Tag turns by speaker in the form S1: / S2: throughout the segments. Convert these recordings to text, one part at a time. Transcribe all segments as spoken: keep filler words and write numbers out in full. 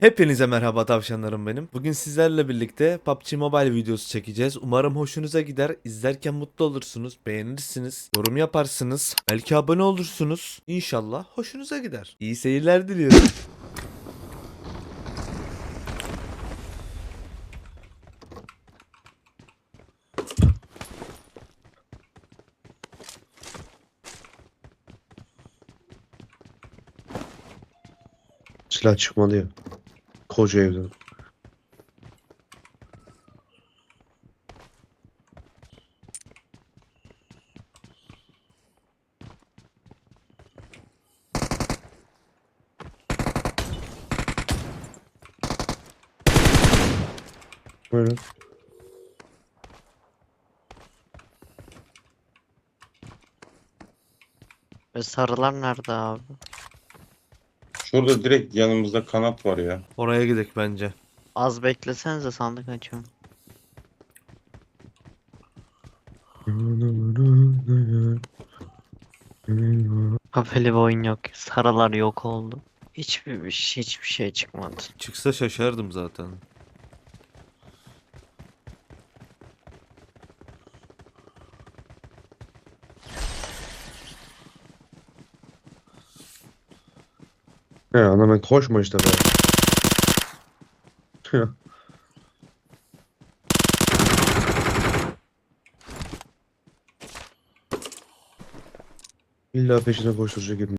S1: Hepinize merhaba tavşanlarım benim. Bugün sizlerle birlikte P U B G Mobile videosu çekeceğiz. Umarım hoşunuza gider. İzlerken mutlu olursunuz, beğenirsiniz, yorum yaparsınız, belki abone olursunuz. İnşallah hoşunuza gider. İyi seyirler diliyorum.
S2: Silah çıkmadı ya. Koca evden. Böyle.
S3: Ve sarılar nerede abi?
S4: Şurada direkt yanımızda kanat var ya.
S1: Oraya gidelim bence.
S3: Az beklesenize sandık açıyorum. Kafeli bir oyun yok. Sarılar yok oldu. Hiçbir bir şey, hiçbir şey çıkmadı.
S1: Çıksa şaşardım zaten.
S2: He ana ben koşma işte be. İlla peşine koşturacak gibi.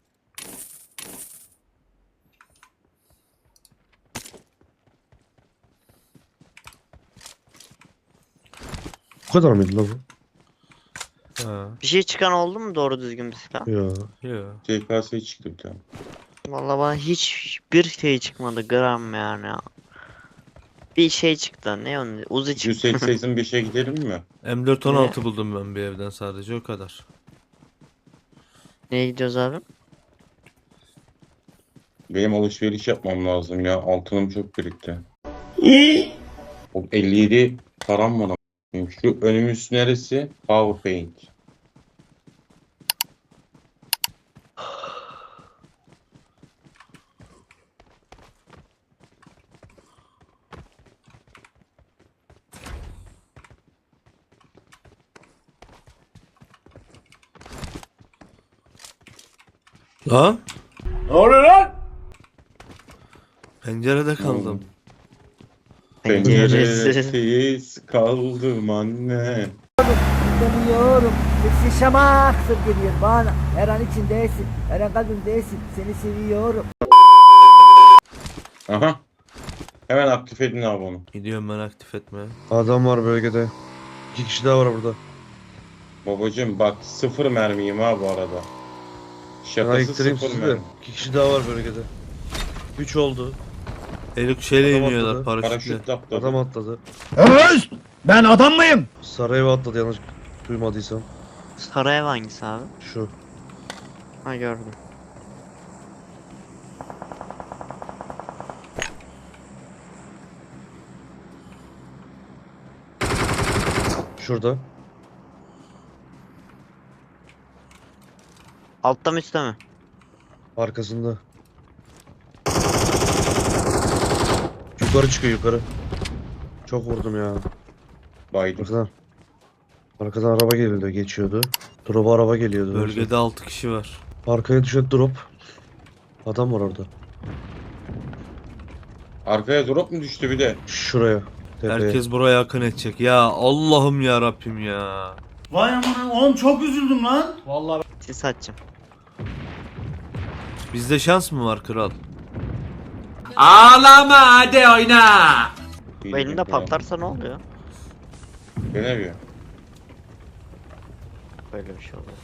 S2: Bu kadar mıydı lan bu?
S1: Ha.
S3: Bir şey çıkan oldu mu doğru düzgün bir silah?
S2: Ya.
S1: Ya.
S4: C K S çıktı bir tane.
S3: Vallahi bana hiçbir şey çıkmadı gram yani. Bir şey çıktı. Ne onun? Uzi çıktı.
S4: yüz seksen beşe gidelim mi?
S1: M dört on altı buldum ben bir evden, sadece o kadar.
S3: Neye gidiyoruz abi?
S4: Benim alışveriş yapmam lazım ya. Altınım çok birikti. O elli yedi param var ama. Şu önümüz neresi? Power Paint.
S1: Lan?
S5: Ne oluyor lan?
S1: Pencerede kaldım.
S3: Penceresiz.
S4: Penceresiz kaldım anne.
S6: Demiyorum. Sesi şamaktır geliyor bana. Her an içindesin. Her an kalbimdesin. Seni seviyorum.
S4: Aha. Hemen aktif edin abi onu.
S1: Gidiyorum ben aktif etmeye.
S2: Adam var bölgede. İki kişi daha var burada.
S4: Babacım bak sıfır mermiyim ha bu arada.
S2: Ben
S4: Şakası
S2: ayıktırayım
S4: sıfır
S2: sizi de.
S4: mermi.
S2: İki kişi daha var bölgede. Üç oldu.
S1: Helikopterle
S2: Adam
S1: iniyorlar,
S2: atladı.
S1: paraşütle.
S4: Paraşütle atladı.
S2: Adam atladı.
S5: Öz! Ben adam mıyım?
S2: Sarayeva atladı yanlış duymadıysam.
S3: Sarı ev hangisi abi?
S2: Şu.
S3: Ha gördüm.
S2: Şurada.
S3: Altta mı üstte mi?
S2: Arkasında. Yukarı çıkıyor yukarı. Çok vurdum ya.
S4: Baydım.
S2: Arkadan. Arkadan araba geliyordu, geçiyordu. Drop'a araba geliyordu.
S1: Bölgede altı kişi var.
S2: Arkaya düşen drop. Adam var orada.
S4: Arkaya drop mu düştü bir de?
S2: Şuraya. Tepeye.
S1: Herkes buraya akın edecek. Ya Allah'ım ya Rabbim ya.
S5: Vay aman oğlum çok üzüldüm lan.
S3: Sis açacağım.
S1: Bizde şans mı var kral?
S3: Bu elinde patlarsa ne oluyor?
S4: Denemiyor.
S3: Böyle bir şey oluyor.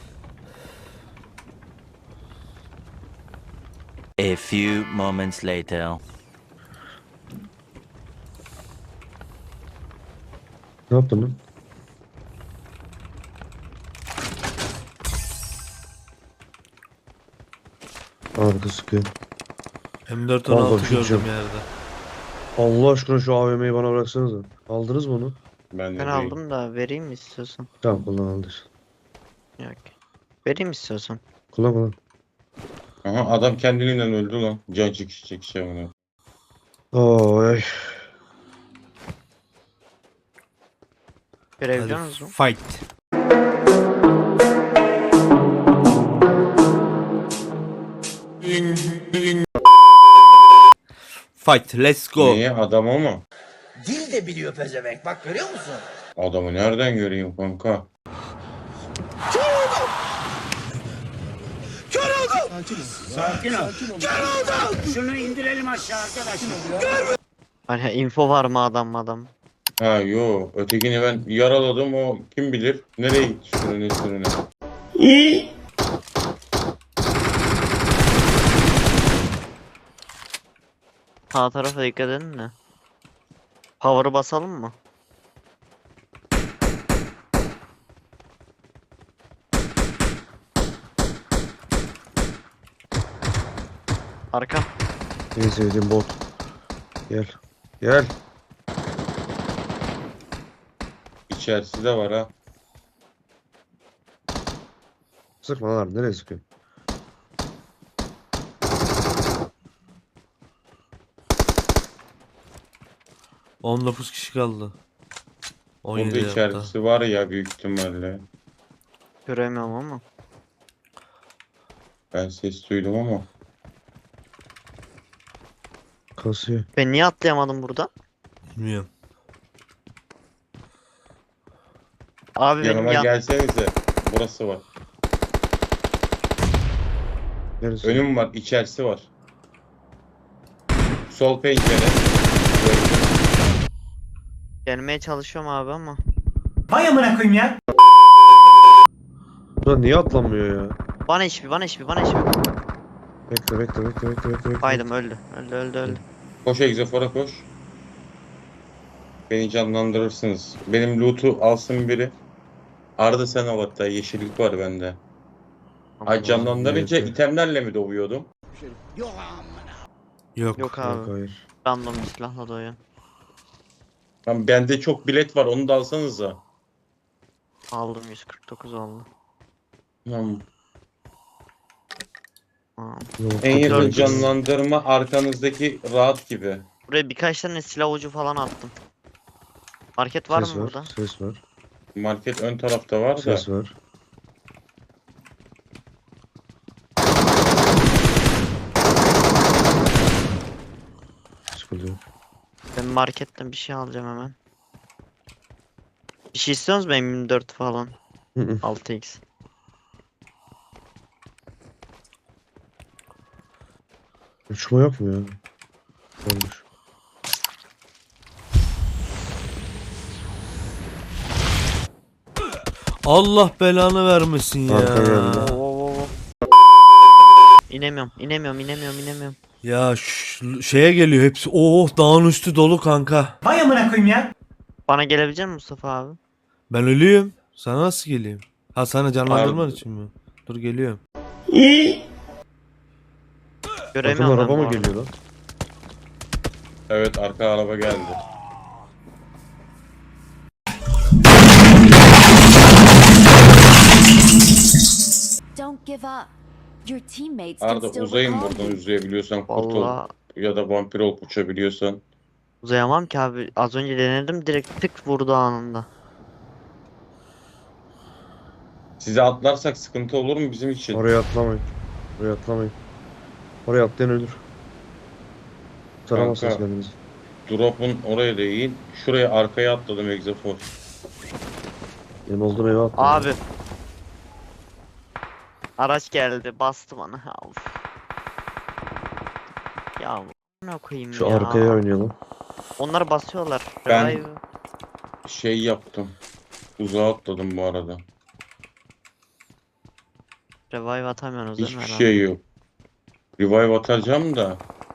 S7: A few moments later.
S2: Ne yaptın lan? Arada sıkıyor.
S1: M dört on
S2: Vallahi
S1: altı
S2: bir şey
S1: gördüm
S2: diyeceğim.
S1: yerde.
S2: Allah aşkına şu A V M'yi bana bıraksanıza. Aldınız mı onu?
S4: Ben, de
S3: Ben
S4: değil.
S3: aldım da vereyim mi istiyorsan?
S2: Tamam kullan aldır.
S3: Yok. Vereyim istiyorsan.
S2: Kullan kullan.
S4: Aha adam kendiliğinden öldü lan. Can çekişecek şey onu.
S2: Oy.
S3: Görebiliyor
S1: Hadi
S3: musun?
S1: fight. Fight, let's go.
S4: Niye adamı mı?
S6: Dil de biliyor pezevenk bak görüyor musun?
S4: Adamı nereden göreyim kanka?
S5: Şunu indirelim aşağı arkadaşlar.
S3: Hani info var mı adam adam?
S4: Ha yo, ötekini ben yaraladım, o kim bilir nereye gitti sürüne sürüne.
S3: Sağ tarafa dikkat edin de. Power'ı basalım mı? Arka.
S2: En sevdiğim bot. Gel. Gel.
S4: İçerisi de var ha.
S2: Sıkma lan. Nereye sıkıyor?
S1: on dokuz kişi kaldı. on
S4: Burada
S1: yedi hatta.
S4: içerisi var ya büyük ihtimalle.
S3: Göremiyorum ama.
S4: Ben ses duydum ama.
S2: Kasıyor.
S3: Ben niye atlayamadım burada?
S1: Bilmiyorum.
S3: Abi benim
S4: Yanıma
S3: ya
S4: gelsenize. Burası var.
S2: Neresi?
S4: Önüm var, içerisi var. Sol pencere. Gördüm.
S3: gelmeye çalışıyorum abi ama.
S5: Vay amına koyayım ya.
S2: Ulan niye atlanmıyor ya?
S3: Bana hiçbir bana hiçbir bana hiçbir.
S2: Bekle bekle bekle bekle bekle. bekle.
S3: Baydım öldü. Öldü öldü öldü.
S4: Koş egzofora koş. Beni canlandırırsınız. Benim loot'u alsın biri. Arda sen al hatta, yeşillik var bende. Ay canlandırınca
S2: neyse.
S4: itemlerle mi doğuyordum?
S1: Yok.
S3: Yok
S2: Yok,
S3: abi.
S2: hayır.
S3: Random bir silahla doyuyor.
S4: Lan bende çok bilet var, onu da alsanıza.
S3: Aldım yüz kırk dokuz oldu.
S4: Hmm.
S3: Aa.
S2: Yok,
S4: En yakın
S3: Dördüncü.
S4: canlandırma arkanızdaki rahat gibi.
S3: Buraya birkaç tane silah ucu falan attım. Market var
S2: Ses
S3: mı
S2: var.
S3: burada?
S2: Ses var.
S4: Market ön tarafta var da.
S2: Ses var. Sıkıntı yok.
S3: Ben marketten bir şey alacağım hemen. Bir şey istiyorsunuz mu M yirmi dört falan?
S2: Hı hı.
S3: altı x.
S2: Uçma yok mu ya? Olmuş.
S1: Allah belanı vermesin ya.
S2: Arka geldi.
S3: Oo, oo, oo. İnemiyorum, inemiyorum, inemiyorum, inemiyorum.
S1: Ya şu şeye geliyor hepsi. Oh, dağın üstü dolu kanka.
S5: Vay amına koyayım ya.
S3: Bana gelebilecek misin Mustafa abi?
S1: Ben ölüyüm. Sana nasıl geleyim? Ha, sana canlandırman
S4: Pardon.
S1: için mi? Dur geliyorum.
S2: Arkadan
S3: Göremiyorum ben
S2: araba
S3: bu
S2: mı
S3: arada.
S2: geliyor lan?
S4: Evet, arka araba geldi.
S8: Don't give up. Your teammates can
S4: Arda
S8: still
S4: uzayın
S8: recall
S4: buradan,
S8: you.
S4: uzayabiliyorsan kurtul.
S3: Vallahi
S4: Ya da vampir olup uçabiliyorsan.
S3: uzayamam ki abi. Az önce denedim direkt tık vurdu anında.
S4: Size atlarsak sıkıntı olur mu bizim için?
S2: Oraya atlamayın. Oraya atlamayın. Oraya atlayan ölür. Taramazsınız
S4: Kanka.
S2: kendinizi.
S4: Drop'un oraya değil. Şuraya arkaya atladım egzofor.
S2: Benim olduğum eve atladım.
S3: Abi. Araç geldi bastı bana. Ha, of. Ya ne koyayım
S2: Şu
S3: ya.
S2: arkaya oynayalım.
S3: Onları basıyorlar.
S4: Ben-
S3: Revive.
S4: Şey yaptım. Uzağa atladım bu arada.
S3: Revive atamıyorsunuz değil mi
S4: Hiçbir
S3: herhalde?
S4: şey yok. Revive atacağım da.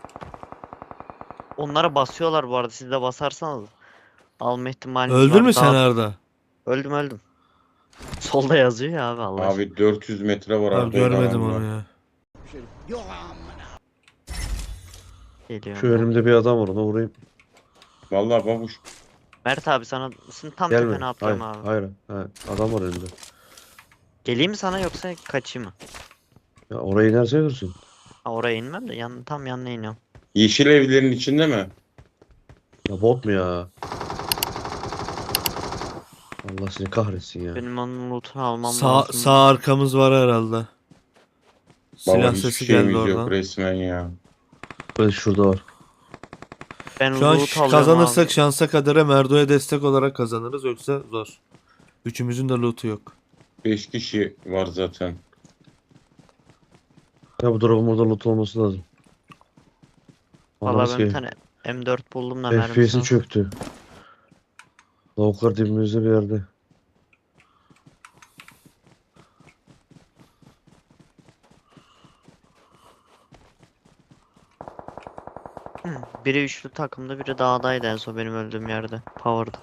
S3: Onları basıyorlar bu arada. Siz de basarsanız alma ihtimaliniz
S1: Öldün
S3: var.
S1: mü sen
S3: Daha-
S1: Arda?
S3: Öldüm öldüm. Solda yazıyor ya abi Allah aşkına.
S4: Abi dört yüz metre var
S1: Abi
S4: Arda'yla
S1: görmedim
S4: aramda.
S1: onu ya.
S3: Geliyor.
S2: Şu önümde bir adam var, ona vurayım.
S4: Vallahi babuş.
S3: Mert abi sana sen tam
S2: Gelme.
S3: tepene
S2: Hayır,
S3: atlıyorum abi.
S2: hayır, hayır. Adam var önümde.
S3: Geleyim mi sana yoksa kaçayım mı?
S2: Ya oraya inerse ölürsün.
S3: Ha, oraya inmem de yan, tam yanına iniyorum.
S4: Yeşil evlerin içinde mi?
S2: Ya bot mu ya? Allah seni kahretsin ya.
S3: Benim onun lootunu almam
S1: Sağ,
S3: lazım.
S1: sağ arkamız var herhalde. Silah
S4: Baba hiçbir
S1: sesi geldi
S4: şeyimiz yok
S1: oradan.
S4: resmen ya.
S2: Evet şurada var.
S3: Ben
S1: Şu an
S3: loot
S1: ş-
S3: alıyorum
S1: kazanırsak
S3: abi.
S1: şansa kadere Merdo'ya destek olarak kazanırız, yoksa zor. Üçümüzün de loot'u yok.
S4: beş kişi var zaten.
S2: Ya bu drop'un burada loot olması lazım.
S3: Valla
S2: Anlarız
S3: ben bir
S2: ki
S3: tane M dört buldum da
S2: F P
S3: mermisi
S2: S'in
S3: yok.
S2: çöktü. Lavuklar dibimizde bir yerde.
S3: Biri üçlü takımda, biri dağdaydı en son benim öldüğüm yerde. Power'da.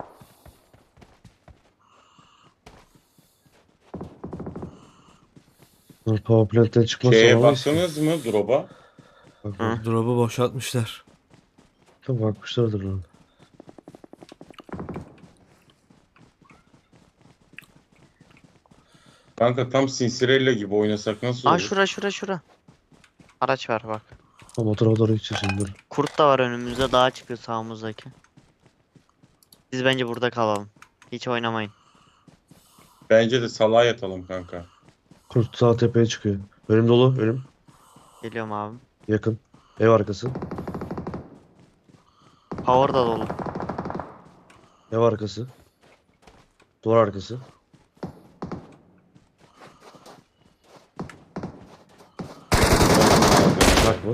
S2: Dur, Power plant'ten çıkmazsa
S4: Şeye
S2: alamayız ki.
S4: baktınız mı drop'a?
S2: Bak,
S3: Hı.
S2: bak.
S1: Drop'u boşaltmışlar.
S2: Tabii bakmışlardır lan.
S4: Kanka tam Cincirella gibi oynasak nasıl
S3: Aa
S4: olur?
S3: şura şura şura. Araç var bak.
S2: Ama o tarafa doğru gideceğiz şimdi. Dur.
S3: Kurt da var önümüzde, dağa çıkıyor sağımızdaki. Biz bence burada kalalım. Hiç oynamayın.
S4: Bence de salağa yatalım kanka.
S2: Kurt sağ tepeye çıkıyor. Önüm dolu. Önüm.
S3: Geliyorum abi.
S2: Yakın. Ev arkası.
S3: Power da dolu.
S2: Ev arkası. Duvar arkası. Bak bu.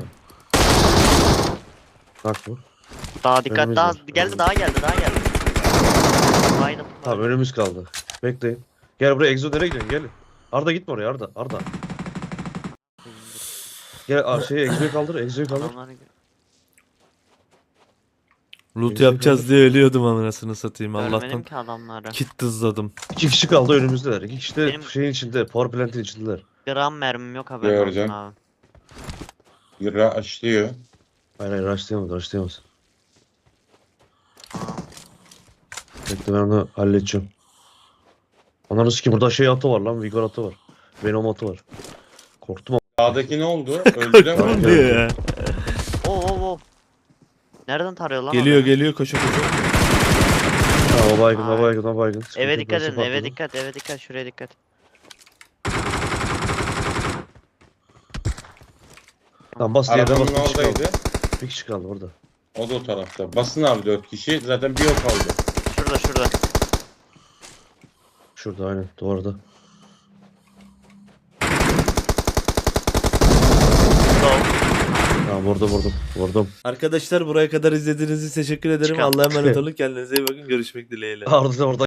S2: Bak bu.
S3: Daha dikkat,
S2: Önümüz
S3: daha
S2: var,
S3: geldi,
S2: önümüz.
S3: daha geldi, daha geldi. Baydım.
S2: Tamam önümüz kaldı. Bekleyin. Gel buraya. Exo nereye gidiyorsun? Gel. Arda gitme oraya Arda. Arda. Gel ar- şeyi Exo'yu kaldır. Exo'yu kaldır.
S3: Adamları-
S1: Loot
S2: Neyse,
S1: yapacağız
S2: kaldır.
S1: diye ölüyordum anasını satayım.
S3: Görmedim
S1: Allah'tan
S3: ki adamları.
S1: kit dızladım.
S2: İki kişi kaldı önümüzdeler. İki kişi de
S3: Benim-
S2: şeyin içinde. Power plant'in içindeler.
S3: Gram mermim yok, haberin olsun
S4: Gördüm.
S3: abi.
S4: Yıra açlıyor.
S2: Hayır hayır rushlayamaz. Rushlayamaz. Bekle ben onu halledeceğim. Ananı sikeyim burada şey atı var lan. Vigor atı var. Venom atı var. Korktum ama.
S4: Sağdaki ne oldu? Öldüler
S2: Tamam,
S4: mi?
S1: Ne diyor ya?
S3: Oo oo oo. Nereden tarıyor lan?
S1: Geliyor
S3: adam?
S1: geliyor koşa koşa.
S2: Ha, o baygın, o
S3: Ay.
S2: baygın, o baygın. Sıkıntı
S3: Eve
S2: yok,
S3: dikkat
S2: nasıl
S3: edin, eve
S2: patladı?
S3: dikkat, eve dikkat, şuraya dikkat.
S2: Tamam bas diye de bas.
S4: Arabanın
S2: Bir kişi kaldı.
S4: oradaydı.
S2: Bir kişi kaldı orada.
S4: O da o tarafta. Basın abi dört kişi. Zaten bir o kaldı.
S3: Şurada, şurada.
S2: Şurada aynen duvarda.
S3: Sol.
S2: Tamam vurdum vurdum. Vurdum.
S1: Arkadaşlar buraya kadar izlediğiniz için teşekkür ederim.
S2: Çıkar.
S1: Allah'a emanet olun. Kendinize iyi bakın. Görüşmek dileğiyle.
S2: Arda da orada.